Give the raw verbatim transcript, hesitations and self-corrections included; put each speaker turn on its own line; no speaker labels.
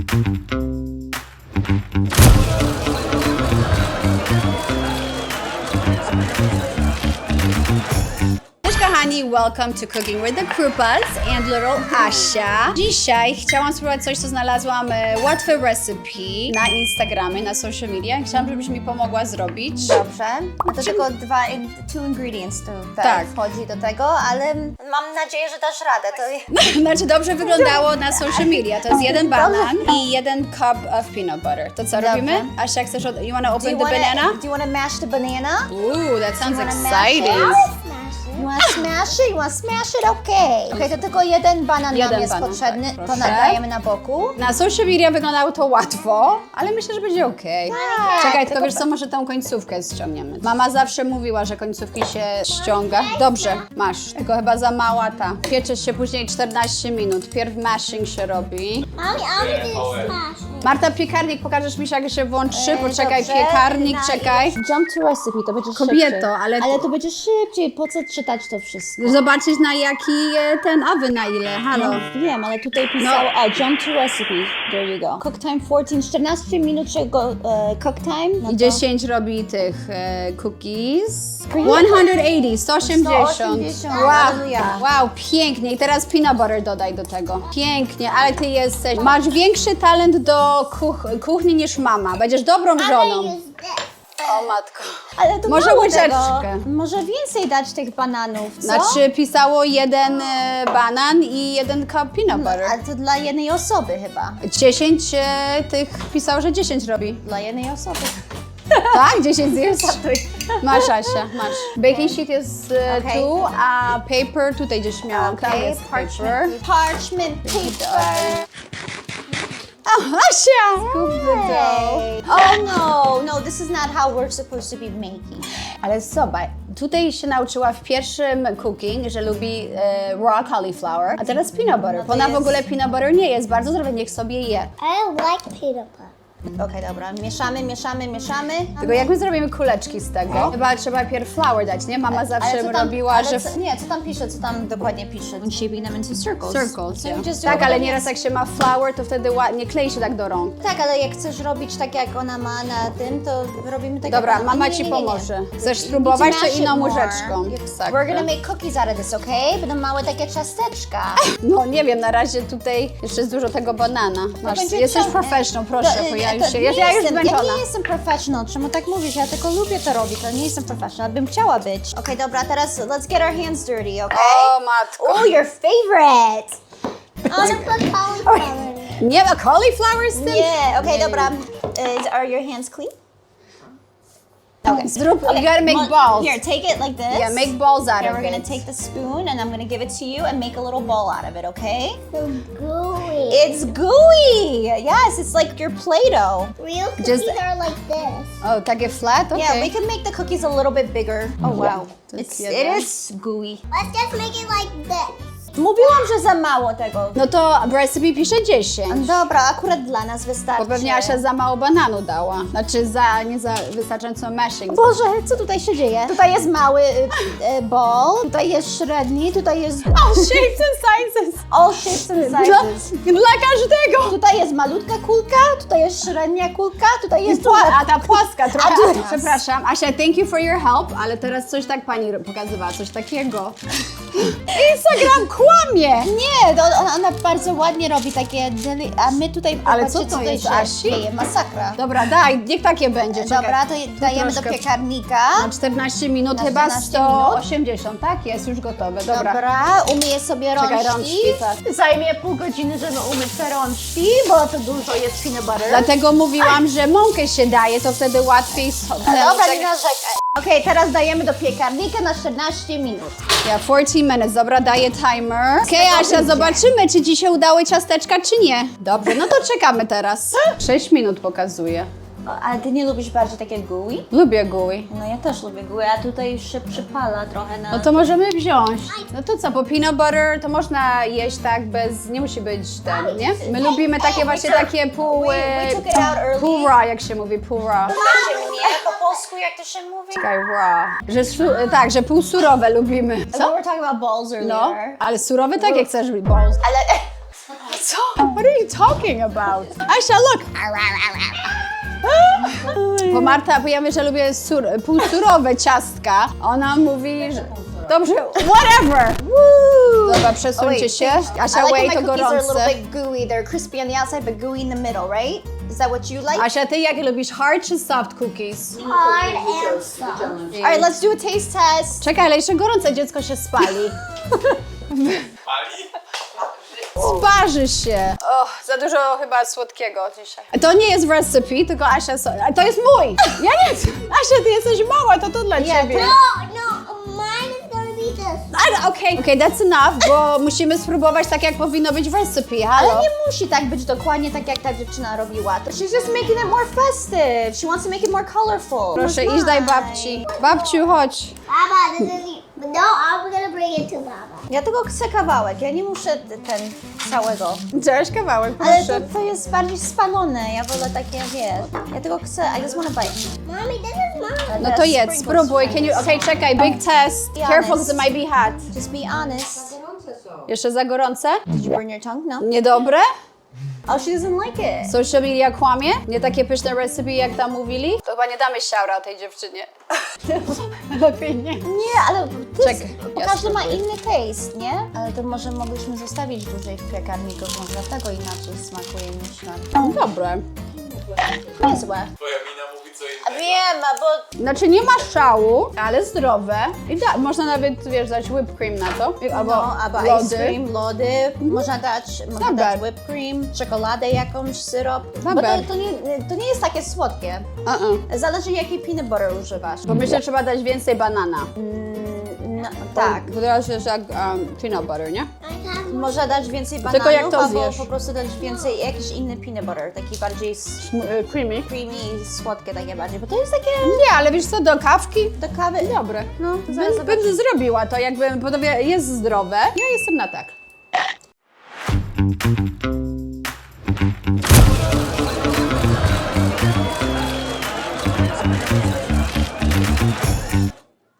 Kochani, welcome to Cooking with the Krupas and little Asia. Dzisiaj chciałam spróbować coś, co znalazłam, e, łatwe recipe na Instagramie, na social media. Chciałam, żebyś mi pomogła zrobić.
Dobrze. No to tylko dwa, in, two ingredients tutaj
Tak.
wchodzi do tego, ale mam nadzieję, że dasz radę. To...
Znaczy dobrze wyglądało na social media. To jest jeden banan i jeden cup of peanut butter. To co
Dobrze.
robimy? Asia, chcesz, od- you wanna
Do
open
you
the
wanna,
banana?
Do you want to mash the banana?
Ooh, that sounds
You wanna mash
exciting.
it? You want to smash it? You want to smash it? Okej. Okay. Okej, to tylko jeden banan
Jeden
nam jest
banan,
potrzebny.
tak,
To
proszę.
nadajemy na boku.
Na social media wyglądało to łatwo, ale myślę, że będzie okej.
Tak,
Czekaj, tylko
tylko-
wiesz co, może tą końcówkę ściągniemy. Mama zawsze mówiła, że końcówki się ściąga. Dobrze, masz, tylko chyba za mała ta. Pieczesz się później czternaście minut. Pierw mashing się robi.
Mommy, I'm gonna do smash.
Marta, piekarnik, pokażesz mi, jak się włączy?
E,
Poczekaj,
dobrze.
piekarnik,
Na-
czekaj.
Jump to recipe, to będzie
Kobieto,
szybciej.
ale-
Ale to będzie szybciej, po co czytać to wszystko?
Zobaczyć na jaki e, ten, a wy na ile, halo.
Wiem, ale tutaj pisało, o, jump to recipe, there you go. Cook time czternaście, czternaście minut czego e, cook time. No
I
to-
dziesięć robi tych e, cookies. sto osiemdziesiąt, sto osiemdziesiąt.
sto osiemdziesiąt,
Wow,
hallelujah.
wow, pięknie. I teraz peanut butter dodaj do tego. Pięknie, ale ty jesteś, masz większy talent do kuch kuchni niż mama. Będziesz dobrą żoną.
Use this.
O matko.
Ale to
Może
mało
łyżeczkę.
tego. Może więcej dać tych bananów, co?
Znaczy pisało jeden e, banan i jeden cup peanut butter.
Ale to dla jednej osoby chyba.
dziesięć e, tych pisało, że dziesięć robi.
Dla jednej osoby.
Tak? dziesięć zjesz? Masz, Asia, masz. Baking sheet jest e,
Okej.
tu, a paper tutaj gdzieś miałam. Tam
Okay,
jest paper.
parchment, parchment paper.
O, Asia! Scoop the dough.
Hey. Oh no, no, this is not how we're supposed to be making.
Ale zobacz, tutaj się nauczyła w pierwszym cooking, że lubi e, raw cauliflower, a teraz peanut butter. Ona w
jest-
ogóle peanut butter nie jest bardzo zdrowe, niech sobie je.
I like peanut butter.
Okej, dobra, mieszamy, mieszamy, mieszamy.
Tylko jak my zrobimy kuleczki z tego? Chyba trzeba pierw flour dać, nie? Mama zawsze
co tam-
robiła,
ale
że...
co, nie, co tam pisze, co tam dokładnie pisze? When shaping them into circles.
Circles,
So
yeah.
you just do
Tak,
it
ale
with
nieraz
this.
jak się ma flour, to wtedy ładnie klei się tak do rąk.
Tak, ale jak chcesz robić tak, jak ona ma na tym, to robimy tak,
Dobra,
jak ona...
mama
nie,
ci
nie, nie, nie.
pomoże. Chcesz
You
spróbować,
need to
to
mash
inną
it more.
łyżeczką. Tak.
We're gonna make cookies out of this, okay? Będą małe takie ciasteczka.
No nie wiem, na razie tutaj jeszcze jest dużo tego banana. Masz,
będzie
jesteś
ciągle.
professional, proszę,
To,
bo
e,
ja
to
już się,
nie
ja, ja już
jestem,
zmęczona.
Ja nie jestem professional, czemu tak mówisz? Ja tylko lubię to robić, ale nie jestem professional. Bym chciała być. Okej, dobra, teraz let's get our hands dirty, okay?
O matko.
Oh, your favorite!
I'm gonna put cauliflower in it.
Nie ma cauliflower z tym?
Nie, okej,
Nie.
dobra. Is, are your hands clean?
Okay. Zrób, you gotta make
Mo-
balls.
Here, take it like this.
Yeah, make balls out
Okay,
of
we're gonna
it.
take the spoon and I'm gonna give it to you and make a little ball out of it, okay?
So gooey.
It's gooey! Yes, it's like your Play-Doh.
Real cookies
Just-
are like this.
O, takie flat? Okay.
Yeah, we can make the cookies a little bit bigger. Oh wow.
To jest
It's, it
jeden.
is gooey.
Let's just make it like this.
Mówiłam, że za mało tego.
No to w recipe pisze dziesięć.
Dobra, akurat dla nas wystarczy.
Bo pewnie Asia za mało bananu dała. Znaczy za, nie za wystarczająco mashing.
Boże, co tutaj się dzieje? Tutaj jest mały y, y, ball, tutaj jest średni, tutaj jest...
All shapes and sizes.
All shapes and
Dla,
sizes.
dla każdego.
Tutaj jest malutka kulka, tutaj jest średnia kulka, tutaj jest...
Pła- a ta płaska trochę.
A tu-
Przepraszam, Asia, thank you for your help, ale teraz coś tak pani ro- pokazywała, coś takiego. Instagram kłamie!
Nie, to ona, ona bardzo ładnie robi takie, deli- a my tutaj...
Ale
popatrzcie,
co to
tutaj
jest,
się
Asi?
dzieje, masakra.
Dobra, daj, niech takie będzie. Czekaj.
Dobra, to dajemy
troszkę-
do piekarnika.
Na czternaście minut,
Na
chyba
czternaście
sto osiemdziesiąt, tak? Jest już gotowe, dobra.
Dobra, umyję sobie rączki.
Czekaj, rączki, tak.
Zajmie pół godziny, żeby umyć te rączki, bo to dużo jest peanut butter.
Dlatego mówiłam, że mąkę się daje, to wtedy łatwiej schodzi.
Dobra, nie narzekaj. Okej, teraz dajemy do piekarnika na czternaście minut.
Ja, czternaście minutes, dobra, daję timer. Okej, okay, Asia, zobaczymy, czy ci się udały ciasteczka, czy nie. Dobrze, no to czekamy teraz. sześć minut pokazuje.
O, ale ty nie lubisz bardziej takie gooey?
Lubię gooey.
No ja też lubię gooey, a tutaj już się przypala trochę na...
No to możemy wziąć. No to co, po peanut butter to można jeść tak bez, nie musi być ten, nie? My lubimy takie właśnie takie pół,
We- we took it out early.
pół raw, jak się mówi, pół raw.
Proszę mnie, po polsku jak to się mówi?
Czekaj, raw. Że, su- tak, że pół surowe lubimy.
So
Co?
we were talking about balls earlier.
No, ale surowe tak jak chcesz balls.
Ale...
Co? What are you talking about? Asia, look! Bo Marta, bo ja wiem, że lubię sur, półsurowe ciastka. Ona mówi, że... Dobrze, whatever! Woo! Dobra, przesuńcie się. Asia,
I like
wait,
when
to
my cookies are a little
gorące.
bit gooey. They're crispy on the outside, but gooey in the middle, right? Is that what you like?
Asia, ty jakie lubisz? Hard czy soft cookies?
Hard and soft.
All right, let's do a taste test.
Czekaj, ale jeszcze gorące dziecko się spali. Sparzy się. Och, za dużo chyba słodkiego dzisiaj. To nie jest recipe, tylko Asia... So to jest mój! Ja nie... Asia, ty jesteś mała, to to dla ciebie.
No, no, mine is gonna be this.
Ale okej, okej, that's enough, bo musimy spróbować tak, jak powinno być w recipe, halo?
Ale nie musi tak być dokładnie tak, jak ta dziewczyna robiła. She's just making it more festive. She wants to make it more colorful.
Proszę,
That's
idź daj
nice.
babci. Babciu, chodź.
Baba, this is no. I'm gonna bring it to Baba.
Ja tylko chcę kawałek, ja nie muszę t- ten całego.
Chciałeś kawałek,
Ale
proszę.
to, to jest bardziej spalone, ja wolę takie, wiesz. Ja tylko chcę, I just wanna bite.
Mommy, this is mine.
No to jedz, spróbuj. Can you... Okej, czekaj, big test.
Be
Careful,
honest.
because it might be hot.
Just be honest.
Jeszcze za gorące?
Did you burn your tongue? No.
Niedobre?
Oh, she doesn't like it.
Social media kłamie? Nie takie pyszne recipe, jak tam mówili? To chyba nie damy siaura tej dziewczynie. Lepiej nie.
Nie, ale ty
Czekaj,
bo
ja
każdy ma
spróbuję.
inny taste, nie? Ale to może mogliśmy zostawić dłużej w piekarniku, bo dlatego inaczej smakuje niż na...
Dobre.
Niezłe.
Twoja mina mówi co
A
innego.
wiem, a bo...
Znaczy nie ma szału, ale zdrowe. I da, można nawet, wiesz, dać whipped cream na to. Albo,
No, albo
lody.
ice cream, lody, można dać, można
Dobra.
dać whipped cream, czekoladę jakąś, syrop. Bo
Dobra.
to, to, nie, to nie jest takie słodkie.
Uh-uh.
Zależy jakiej peanut butter używasz.
Bo myślę, że trzeba dać więcej banana.
No, tak.
Bo teraz jest jak um, peanut butter, nie?
I have one.
Można dać więcej bananów,
Tylko jak to
albo
zjesz?
po prostu dać więcej, jakiś inny peanut butter, taki bardziej s-
M- y, Creamy.
creamy, słodkie takie bardziej, bo to jest takie
Nie, ale wiesz co, do kawki?
do kawy.
Dobre.
No, to zaraz
Bym,
zobaczymy.
bym zrobiła to, jakby, bo to wie- jest zdrowe. Ja jestem na tak.